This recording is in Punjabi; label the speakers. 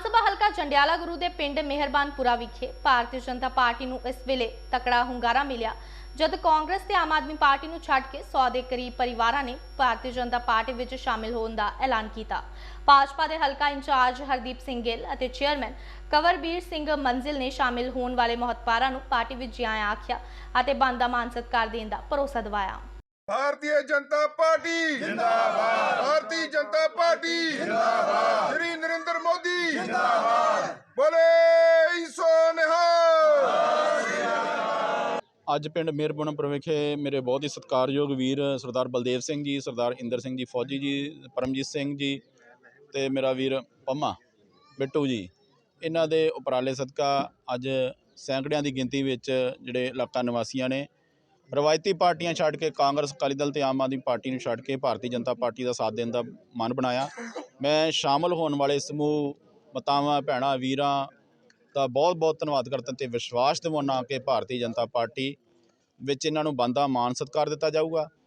Speaker 1: ਸਭਾ ਹਲਕਾ ਜੰਡਿਆਲਾ ਗੁਰੂ ਦੇ ਪਿੰਡ ਮਿਹਰਬਾਨਪੁਰਾ ਵਿਖੇ ਭਾਰਤੀ ਜਨਤਾ ਪਾਰਟੀ ਨੂੰ ਇਸ ਵੇਲੇ ਤਕੜਾ ਹੁੰਗਾਰਾ ਮਿਲਿਆ ਜਦ ਕਾਂਗਰਸ ਤੇ ਆਮ ਆਦਮੀ ਪਾਰਟੀ ਨੂੰ ਛੱਡ ਕੇ 100 ਦੇ ਕਰੀਬ ਪਰਿਵਾਰਾਂ ਨੇ ਭਾਰਤੀ ਜਨਤਾ ਪਾਰਟੀ ਵਿੱਚ ਸ਼ਾਮਿਲ ਹੋਣ ਦਾ ਐਲਾਨ ਕੀਤਾ। ਭਾਜਪਾ ਦੇ ਹਲਕਾ ਇੰਚਾਰਜ ਹਰਦੀਪ ਸਿੰਘ ਗਿੱਲ ਅਤੇ ਚੇਅਰਮੈਨ ਕੰਵਰਬੀਰ ਸਿੰਘ ਮੰਜ਼ਿਲ ਨੇ ਸ਼ਾਮਿਲ ਹੋਣ ਵਾਲੇ ਮਹੱਤਵਪੂਰਨ ਨੂੰ ਪਾਰਟੀ ਵਿੱਚ ਜਿਆਇਆਂ ਆਖਿਆ ਅਤੇ ਬਣਦਾ ਮਾਨ ਸਤਿਕਾਰ ਦੇਣ ਦਾ ਭਰੋਸਾ ਦਿਵਾਇਆ।
Speaker 2: भारतीय जनता पार्टी जिंदाबाद, भारतीय जनता पार्टी जिंदाबाद, श्री नरेंद्र मोदी जिंदाबाद, बोले ईसो निहाल।
Speaker 3: ਅੱਜ ਪਿੰਡ ਮਿਹਰਬਾਨਪੁਰ ਵਿਖੇ ਮੇਰੇ ਬਹੁਤ ਹੀ ਸਤਿਕਾਰਯੋਗ ਵੀਰ ਸਰਦਾਰ ਬਲਦੇਵ ਸਿੰਘ ਜੀ, ਸਰਦਾਰ ਇੰਦਰ ਸਿੰਘ ਜੀ ਫੌਜੀ ਜੀ, ਪਰਮਜੀਤ ਸਿੰਘ ਜੀ ਤੇ ਮੇਰਾ ਵੀਰ ਪੰਮਾ ਬਿੱਟੂ ਜੀ, ਇਹਨਾਂ ਦੇ ਉਪਰਾਲੇ ਸਦਕਾ ਅੱਜ ਸੈਂਕੜਿਆਂ ਦੀ ਗਿਣਤੀ ਵਿੱਚ ਜਿਹੜੇ ਇਲਾਕਾ ਨਿਵਾਸੀਆਂ ਨੇ ਰਵਾਇਤੀ ਪਾਰਟੀਆਂ ਛੱਡ ਕੇ ਕਾਂਗਰਸ, ਅਕਾਲੀ ਦਲ ਤੇ ਆਮ ਆਦਮੀ ਪਾਰਟੀ ਨੂੰ ਛੱਡ ਕੇ ਭਾਰਤੀ ਜਨਤਾ ਪਾਰਟੀ ਦਾ ਸਾਥ ਦੇਣ ਦਾ ਮਨ ਬਣਾਇਆ। ਮੈਂ ਸ਼ਾਮਲ ਹੋਣ ਵਾਲੇ ਸਮੂਹ ਮਾਤਾਵਾਂ, ਭੈਣਾਂ, ਵੀਰਾਂ ਦਾ ਬਹੁਤ ਬਹੁਤ ਧੰਨਵਾਦ ਕਰਦਾ ਤੇ ਵਿਸ਼ਵਾਸ ਦਿਵਾਉਣਾ ਕਿ ਭਾਰਤੀ ਜਨਤਾ ਪਾਰਟੀ ਵਿੱਚ ਇਹਨਾਂ ਨੂੰ ਬਣਦਾ ਮਾਣ ਸਤਿਕਾਰ ਦਿੱਤਾ ਜਾਊਗਾ।